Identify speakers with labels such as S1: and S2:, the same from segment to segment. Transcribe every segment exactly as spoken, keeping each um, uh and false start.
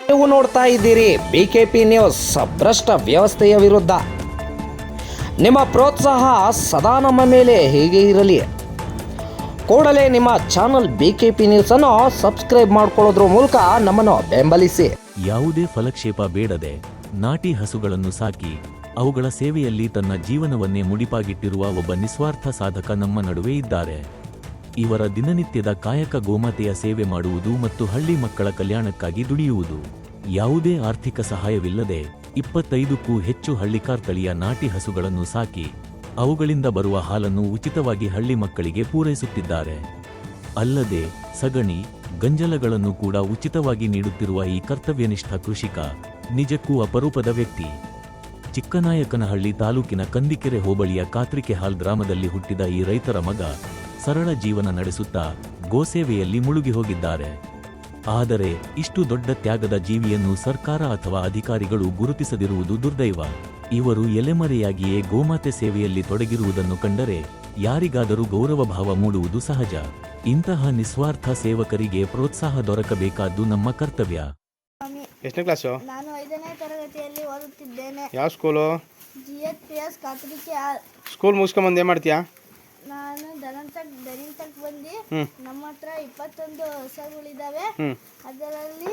S1: ನೀವು ನೋಡ್ತಾ ಇದ್ದೀರಿ ಬಿಕೆಪಿ ನ್ಯೂಸ್. ಭ್ರಷ್ಟ ವ್ಯವಸ್ಥೆಯ ವಿರುದ್ಧ ನಿಮ್ಮ ಪ್ರೋತ್ಸಾಹ ಸದಾ ನಮ್ಮ ಮೇಲೆ ಹೀಗೆ ಇರಲಿ. ಕೂಡಲೇ ನಿಮ್ಮ ಚಾನಲ್ ಬಿಕೆಪಿ ನ್ಯೂಸ್ ಅನ್ನು ಸಬ್ಸ್ಕ್ರೈಬ್ ಮಾಡಿಕೊಳ್ಳೋದ್ರ ಮೂಲಕ ನಮ್ಮನ್ನು ಬೆಂಬಲಿಸಿ.
S2: ಯಾವುದೇ ಫಲಕ್ಷೇಪ ಬೇಡದೆ ನಾಟಿ ಹಸುಗಳನ್ನು ಸಾಕಿ ಅವುಗಳ ಸೇವೆಯಲ್ಲಿ ತನ್ನ ಜೀವನವನ್ನೇ ಮುಡಿಪಾಗಿಟ್ಟಿರುವ ಒಬ್ಬ ನಿಸ್ವಾರ್ಥ ಸಾಧಕ ನಮ್ಮ ನಡುವೆ ಇದ್ದಾರೆ. ಇವರ ದಿನನಿತ್ಯದ ಕಾಯಕ ಗೋಮಾತೆಯ ಸೇವೆ ಮಾಡುವುದು ಮತ್ತು ಹಳ್ಳಿ ಮಕ್ಕಳ ಕಲ್ಯಾಣಕ್ಕಾಗಿ ದುಡಿಯುವುದು. ಯಾವುದೇ ಆರ್ಥಿಕ ಸಹಾಯವಿಲ್ಲದೆ ಇಪ್ಪತ್ತೈದಕ್ಕೂ ಹೆಚ್ಚು ಹಳ್ಳಿಕಾರ್ ತಳಿಯ ನಾಟಿ ಹಸುಗಳನ್ನು ಸಾಕಿ ಅವುಗಳಿಂದ ಬರುವ ಹಾಲನ್ನು ಉಚಿತವಾಗಿ ಹಳ್ಳಿ ಮಕ್ಕಳಿಗೆ ಪೂರೈಸುತ್ತಿದ್ದಾರೆ. ಅಲ್ಲದೆ ಸಗಣಿ ಗಂಜಲಗಳನ್ನು ಕೂಡ ಉಚಿತವಾಗಿ ನೀಡುತ್ತಿರುವ ಈ ಕರ್ತವ್ಯನಿಷ್ಠ ಕೃಷಿಕ ನಿಜಕ್ಕೂ ಅಪರೂಪದ ವ್ಯಕ್ತಿ. ಚಿಕ್ಕನಾಯಕನಹಳ್ಳಿ ತಾಲೂಕಿನ ಕಂದಿಕೆರೆ ಹೋಬಳಿಯ ಕಾತ್ರಿಕೆಹಾಲ್ ಗ್ರಾಮದಲ್ಲಿ ಹುಟ್ಟಿದ ಈ ರೈತರ ಮಗ ಸರಳ ಜೀವನ ನಡೆಸುತ್ತಾ ಗೋಸೇವೆಯಲ್ಲಿ ಮುಳುಗಿ ಹೋಗಿದ್ದಾರೆ. ಆದರೆ ಇಷ್ಟು ದೊಡ್ಡ ತ್ಯಾಗದ ಜೀವಿಯನ್ನು ಸರ್ಕಾರ ಅಥವಾ ಅಧಿಕಾರಿಗಳು ಗುರುತಿಸದಿರುವುದು ದುರ್ದೈವ. ಇವರು ಎಲೆಮರೆಯಾಗಿಯೇ ಗೋಮಾತೆ ಸೇವೆಯಲ್ಲಿ ತೊಡಗಿರುವುದನ್ನು ಕಂಡರೆ ಯಾರಿಗಾದರೂ ಗೌರವ ಭಾವ ಮೂಡುವುದು ಸಹಜ. ಇಂತಹ ನಿಸ್ವಾರ್ಥ ಸೇವಕರಿಗೆ ಪ್ರೋತ್ಸಾಹ ದೊರಕಬೇಕಾದ್ದು ನಮ್ಮ ಕರ್ತವ್ಯ.
S3: ಎಷ್ಟನೇ ಕ್ಲಾಸು?
S4: ನಾನು ಐದನೇ ತರಗತಿಯಲ್ಲಿ ಓದುತ್ತಿದ್ದೇನೆ.
S3: ಯಾವ ಸ್ಕೂಲು?
S4: ಜಿಎಚ್ಪಿಎಸ್ ಕಾತ್ರಿಕೆಹಾಲ್.
S3: ಸ್ಕೂಲ್ ಮುಗಿಸ್ಕೊಂಬಂದು ಏನು ಮಾಡ್ತೀಯಾ?
S4: ನಾನು ದನಂತಕ್ ದನಿಂತಕ್ ಬಂದು ನಮ್ಮ ಹತ್ರ ಇಪ್ಪತ್ತೊಂದು ಹಸುಗಳಿದ್ದಾವೆ. ಅದರಲ್ಲಿ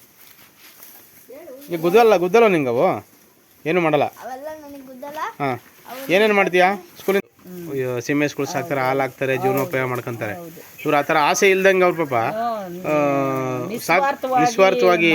S3: ಈಗ ಗುದ್ದಲ್ಲ ಗುದ್ದಲ್ಲ ನಿಂಗವು ಏನು ಮಾಡಲ್ಲ?
S4: ಅವೆಲ್ಲ ನನಗೆ ಗುದ್ದಲ್ಲ.
S3: ಹಾಂ, ಏನೇನು ಮಾಡ್ತೀಯಾ ಸ್ಕೂಲಿಂದ? ಸೀಮೆ ಸ್ಕೂಲ್ ಸಾಕ್ತಾರೆ, ಹಾಲು ಹಾಕ್ತಾರೆ, ಜೀವನೋಪಯೋಗ ಮಾಡ್ಕೊಂತಾರೆ. ಇವ್ರು ಆ ಥರ ಆಸೆ ಇಲ್ದಂಗೆ ಅವ್ರ ಪಾಪ ನಿಸ್ವಾರ್ಥವಾಗಿ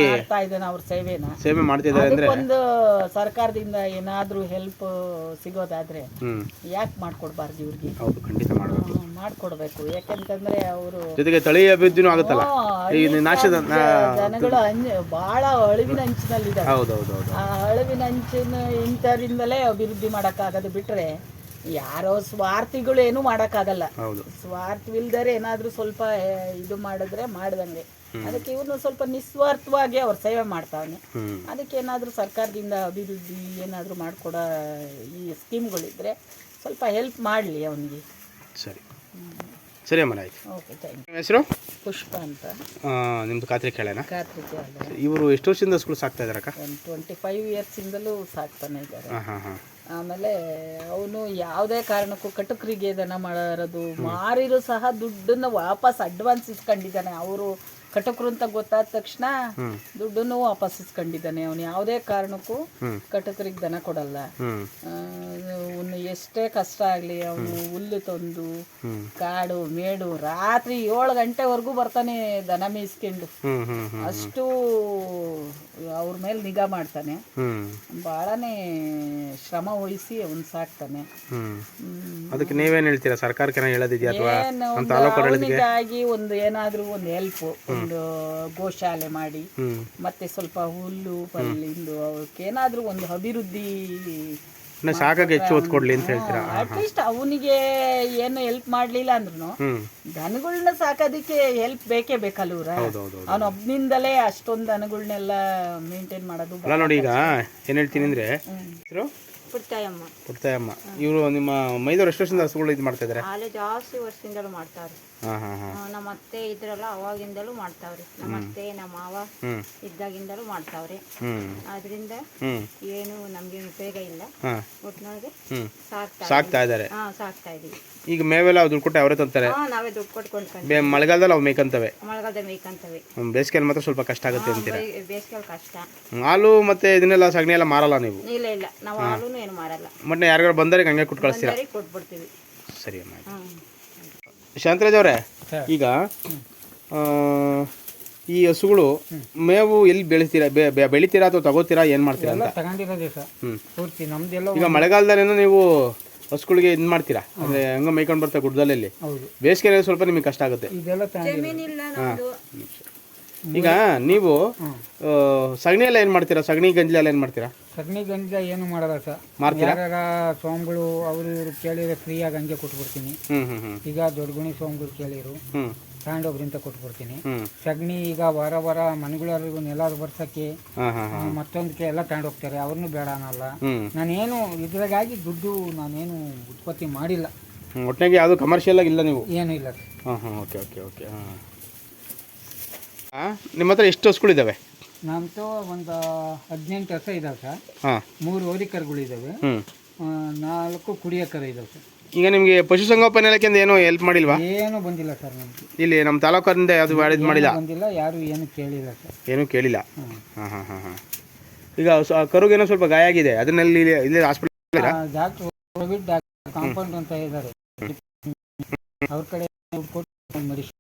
S3: ಸೇವೆ ಮಾಡ್ತಿದ್ದಾರೆ ಅಂದ್ರೆ
S5: ಒಂದು ಸರ್ಕಾರದಿಂದ ಏನಾದ್ರೂ ಹೆಲ್ಪ್ ಸಿಗೋದಾದ್ರೆ ಯಾಕೆ ಮಾಡ್ಕೊಡ್ಬಾರ್ದು ಇವ್ರಿಗೆ?
S3: ಹೌದು, ಖಂಡಿತ ಮಾಡಬೇಕು,
S5: ಮಾಡ್ಕೊಡ್ಬೇಕು. ಯಾಕಂತಂದ್ರೆ ಅವರು
S3: ಜೊತೆಗೆ ತಳಿ ಅಭಿವೃದ್ಧಿನೂ ಆಗುತ್ತಲ್ಲ. ಈ ನಾಶದ
S5: ಜನಗಳು ಬಹಳ ಅಳಿವಿನ ಅಂಚಿನಲ್ಲಿದೆ.
S3: ಹೌದೌದೌದು,
S5: ಆ ಅಳಿವಿನ ಅಂಚಿನ ಇಂಥರಿಂದಲೇ ಅಭಿವೃದ್ಧಿ ಮಾಡಕ್ಕಾಗದು. ಬಿಟ್ರೆ ಯಾರೋ ಸ್ವಾರ್ಥಿಗಳು ಏನು ಮಾಡಕ್ಕಾಗಲ್ಲ. ಸ್ವಾರ್ಥವಿಲ್ದರೆ ಏನಾದ್ರೂ ಸ್ವಲ್ಪ ಇದು ಮಾಡಿದ್ರೆ ಮಾಡ್ದಂಗೆ. ಅದಕ್ಕೆ ಇವನು ಸ್ವಲ್ಪ ನಿಸ್ವಾರ್ಥವಾಗಿ ಅವ್ರ ಸೇವೆ ಮಾಡ್ತಾವನೆ. ಅದಕ್ಕೆ ಏನಾದ್ರೂ ಸರ್ಕಾರದಿಂದ ಅಭಿವೃದ್ಧಿ ಏನಾದ್ರೂ ಮಾಡ್ಕೊಡೋ ಈ ಸ್ಕೀಮ್ಗಳಿದ್ರೆ ಸ್ವಲ್ಪ ಹೆಲ್ಪ್ ಮಾಡಲಿ ಅವನಿಗೆ.
S3: ಸರಿ ಸರಿ ಅಮ್ಮ, ಆಯ್ತು.
S5: Okay, thank you.
S3: ಹೆಸರು?
S5: ಪುಷ್ಪ ಅಂತ.
S3: ನಿಮ್ದು ಕಾತ್ರಿಕೆಹಾಲೇನಾ?
S5: ಕಾತ್ರಿಕೆಹಾಲ್.
S3: ಇವರು ಎಷ್ಟು ವರ್ಷದಿಂದ ಸ್ಕೂಲ್ ಸಾಕ್ತಾ ಇದ್ದಾರಕ್ಕ?
S5: ಒಂದು ಟ್ವೆಂಟಿ ಫೈವ್ ಇಯರ್ಸಿಂದಲೂ ಸಾಕ್ತಾನೆ ಇದ್ದಾರೆ.
S3: ಹಾಂ ಹಾಂ ಹಾಂ.
S5: ಆಮೇಲೆ ಅವನು ಯಾವುದೇ ಕಾರಣಕ್ಕೂ ಕಟುಕರಿಗೆ ದನ ಮಾಡೋದು ಮಾರಿರು ಸಹ ದುಡ್ಡನ್ನು ವಾಪಸ್ ಅಡ್ವಾನ್ಸ್ ಇಸ್ಕೊಂಡಿದ್ದಾನೆ. ಅವರು ಕಟಕರು ಅಂತ ಗೊತ್ತಾದ ತಕ್ಷಣ ದುಡ್ಡನ್ನು ವಾಪಸ್ ಇಸ್ಕೊಂಡಿದ್ದಾನೆ. ಅವನು ಯಾವುದೇ ಕಾರಣಕ್ಕೂ ಕಟಕರಿಗೆ ದನ ಕೊಡಲ್ಲ. ಅವನು ಎಷ್ಟೇ ಕಷ್ಟ ಆಗಲಿ ಅವನು ಹುಲ್ಲು ತಂದು ಕಾಡು ಮೇಡು ರಾತ್ರಿ ಏಳು ಗಂಟೆವರೆಗೂ ಬರ್ತಾನೆ ದನ ಮೇಯಿಸ್ಕೊಂಡು. ಅಷ್ಟು ಅವ್ರ ಮೇಲೆ ನಿಗಾ ಮಾಡ್ತಾನೆ. ಬಹಳನೇ ಶ್ರಮ ವಹಿಸಿ ಅವನು ಸಾಕ್ತಾನೆ.
S3: ಅದಕ್ಕೆ ನೀವೇನು ಹೇಳ್ತೀರಾ? ಸರ್ಕಾರಕ್ಕೆ ಹೇಳೋದಿದೆಯಾ ಅಥವಾ
S5: ಅವನಿಗಾಗಿ ಒಂದು ಏನಾದ್ರೂ ಒಂದು ಹೆಲ್ಪ್, ಒಂದು ಗೋಶಾಲೆ ಮಾಡಿ ಮತ್ತೆ ಸ್ವಲ್ಪ ಹುಲ್ಲು ಪಲ್ಲಿಂದು ಅವಕ್ಕೆ ಏನಾದ್ರೂ ಒಂದು ಅಭಿವೃದ್ಧಿ
S3: ಸಾಕಾಗಿ ಹೆಚ್ಚು ಒತ್ತು ಕೊಡ್ಲಿ ಅಂತ ಹೇಳ್ತೀರಾ?
S5: ಅಟ್ಲೀಸ್ಟ್ ಅವನಿಗೆ ಏನು ಹೆಲ್ಪ್ ಮಾಡ್ಲಿಲ್ಲ ಅಂದ್ರೂ ದನಗಳನ್ನ ಸಾಕೋದಕ್ಕೆ ಹೆಲ್ಪ್ ಬೇಕೇ ಬೇಕಲ್ಲ. ಇವ್ರ ಅವನ ಒಬ್ನಿಂದಲೇ ಅಷ್ಟೊಂದು ದನಗಳನ್ನೆಲ್ಲ ಮೇಂಟೈನ್ ಮಾಡೋದು.
S3: ಅಲ್ಲ ನೋಡಿ, ಈಗ ಏನ್ ಹೇಳ್ತೀನಿ ಅಂದ್ರೆ
S4: ಪುಟ್ಟಯ್ಯಮ್ಮ.
S3: ಪುಟ್ಟಯ್ಯಮ್ಮ ಇವರು ನಿಮ್ಮ ಮೈದೂರು ಎಷ್ಟು ವರ್ಷದಿಂದ ಹಸುಗಳು ಇದು ಮಾಡ್ತಾ ಇದ್ದಾರೆ?
S4: ಅಲ್ಲೇ ಜಾಸ್ತಿ ವರ್ಷದಿಂದಲೂ ಮಾಡ್ತಾರೆ. ನಮ್ಮ ಅತ್ತೆ ಇದ್ರಲ್ಲ ಅವಾಗಿಂದಲೂ ಮಾಡ್ತಾವ್ರಿ. ನಮ್ಮ ಅತ್ತೆ ನಮ್ಮ ಮಾವ ಇದ್ದಾಗಿಂದಲೂ ಮಾಡ್ತಾವ್ರಿ. ಆದ್ರಿಂದ ಏನು ನಮ್ಗೆ ಉಪಯೋಗ ಇಲ್ಲ. ಒಟ್ಟಿನೊಳಗೆ
S3: ಸಾಕ್ತಾ ಇದ್ದಾರೆ.
S4: ಹಾ, ಸಾಕ್ತಾ ಇದೀವಿ.
S3: ಈಗ ಮೇವೆಲ್ಲ ದುಡ್ಡು ಕೊಟ್ಟು ಅವರೇ ತಂತಾರೆ.
S4: ನಾವೇ ದುಡ್ಡು ಕೊಟ್ಕೊಂಡು
S3: ಮಳೆಗಾಲದಲ್ಲಿ ಅವು ಮೇಯ್ಕಂತವೆ.
S4: ಮಳೆಗಾಲದಲ್ಲಿ ಮೇಯ್ಕಂತವೆ.
S3: ಬೇಸಿಗೆಯಲ್ಲಿ ಮಾತ್ರ ಸ್ವಲ್ಪ ಕಷ್ಟ ಆಗುತ್ತೆ ಅಂತೀರಾ?
S4: ಬೇಸಿಗೆಯಲ್ಲಿ ಕಷ್ಟ.
S3: ಹಾಲು ಮತ್ತೆ ಇದನ್ನೆಲ್ಲ ಸಗಣಿ ಎಲ್ಲ ಮಾರಲ್ಲ ನೀವು?
S4: ಇಲ್ಲ ಇಲ್ಲ, ನಾವು ಹಾಲು ಏನು ಮಾರಲ್ಲ.
S3: ಮತ್ತೆ ಯಾರಿಗಾರು ಬಂದರೆ ಹಂಗೆ ಕೊಟ್ಟು ಕಳಿಸ್ತೀರಾ?
S4: ಕೊಟ್ಬಿಡ್ತೀವಿ.
S3: ಸರಿ ಅಮ್ಮ. ಶಾಂತರಾಜ್ ಅವರೇ, ಈಗ ಈ ಹಸುಗಳು ಮೇವು ಎಲ್ಲಿ ಬೆಳಿತೀರಾ? ಬೆಳಿತೀರಾ ಅಥವಾ ತಗೋತೀರಾ? ಏನ್ ಮಾಡ್ತೀರಾ ಅಂತ? ಈಗ ಮಳೆಗಾಲದಲ್ಲೇನೋ ನೀವು ಹಸುಗಳಿಗೆ ಇದು ಮಾಡ್ತೀರಾ ಅಂದ್ರೆ ಹಂಗ ಮೇಯ್ಕೊಂಡು ಬರ್ತಾ ಗುಡ್ಡದಲ್ಲಿ. ಬೇಸಿಗೆ ಸ್ವಲ್ಪ ನಿಮಗೆ ಕಷ್ಟ ಆಗುತ್ತೆ. ಈಗ ನೀವು ಸಗಣಿ ಎಲ್ಲ ಏನ್ ಮಾಡ್ತೀರಾ? ಸಗಣಿ ಗಂಜಲ ಎಲ್ಲ ಏನ್ ಮಾಡ್ತೀರಾ?
S6: ಸಗಣಿ ಗಂಜಲ ಏನು ಮಾಡಲ್ಲ ಸರ್. ಯಾರ ಸ್ವಾಮಿಗಳು ಅವರು ಇವರು ಕೇಳಿದ್ರೆ ಫ್ರೀಯಾಗಿ ಹಂಗೆ ಕೊಟ್ಬಿಡ್ತೀನಿ. ಈಗ ದೊಡ್ಡ ಗುಣಿ ಸ್ವಾಮಿಗಳು ಕೇಳಿರು ತಗೊಂಡೋಗ್ರಿಂದ ಕೊಟ್ಬಿಡ್ತೀನಿ. ಸಗಣಿ ಈಗ ವಾರ ವಾರ ಮನೆಗಳವರೆಗೂ ನೆಲ ಬರ್ಸಕ್ಕೆ ಮತ್ತೊಂದಕ್ಕೆ ಎಲ್ಲ ತಗೊಂಡೋಗ್ತಾರೆ. ಅವ್ರನ್ನೂ ಬೇಡ ಅನ್ನಲ್ಲ. ನಾನೇನು ಇದ್ರಾಗಾಗಿ ದುಡ್ಡು ನಾನೇನು ಉತ್ಪತ್ತಿ ಮಾಡಿಲ್ಲ.
S3: ಒಟ್ಟಿಗೆ ಯಾವುದು ಕಮರ್ಷಿಯಲ್ ಆಗಿ ಇಲ್ಲ ನೀವು?
S6: ಏನೂ ಇಲ್ಲ.
S3: ಹಾಂ ಹಾಂ, ಓಕೆ ಓಕೆ ಓಕೆ. ಹಾಂ, ನಿಮ್ಮ ಹತ್ರ ಎಷ್ಟು ಹಸುಗಳಿದ್ದಾವೆ?
S6: ನಮ್ದು ಒಂದು ಹದಿನೆಂಟು ಹಸ ಇದಾವೆ ಸರ್.
S3: ಹಾಂ
S6: ಮೂರು ಹೋರಿ ಕರುಗಳಿದ್ದಾವೆ,
S3: ಹ್ಞೂ
S6: ನಾಲ್ಕು ಕುಡಿಯೋ ಕರು ಇದಾವೆ ಸರ್.
S3: ಈಗ ನಿಮಗೆ ಪಶುಸಂಗೋಪನೆ ಇಲಾಖೆಯಿಂದ ಏನೂ ಹೆಲ್ಪ್ ಮಾಡಿಲ್ವಾ?
S6: ಏನೂ ಬಂದಿಲ್ಲ ಸರ್ ನಮಗೆ.
S3: ಇಲ್ಲಿ ನಮ್ಮ ತಾಲೂಕಿಂದ ಯಾವುದು ಮಾಡಿದ್ ಮಾಡಿಲ್ಲ,
S6: ಬಂದಿಲ್ಲ, ಯಾರು ಏನು ಕೇಳಿಲ್ಲ ಸರ್.
S3: ಏನೂ ಕೇಳಿಲ್ಲ. ಹಾಂ ಹಾಂ ಹಾಂ ಹಾಂ ಈಗ ಸ- ಕರುಗೇನೋ ಸ್ವಲ್ಪ ಗಾಯ ಆಗಿದೆ, ಅದನ್ನಲ್ಲಿ ಇಲ್ಲಿ ಇಲ್ಲಿ hospital
S6: doctor covid doctor compound ಅಂತ ಇದ್ದಾರೆ, ಅವ್ರ ಕಡೆ ದುಡ್ಡು ಕೊಟ್ಟು ಮೆಡಿಸಿನ್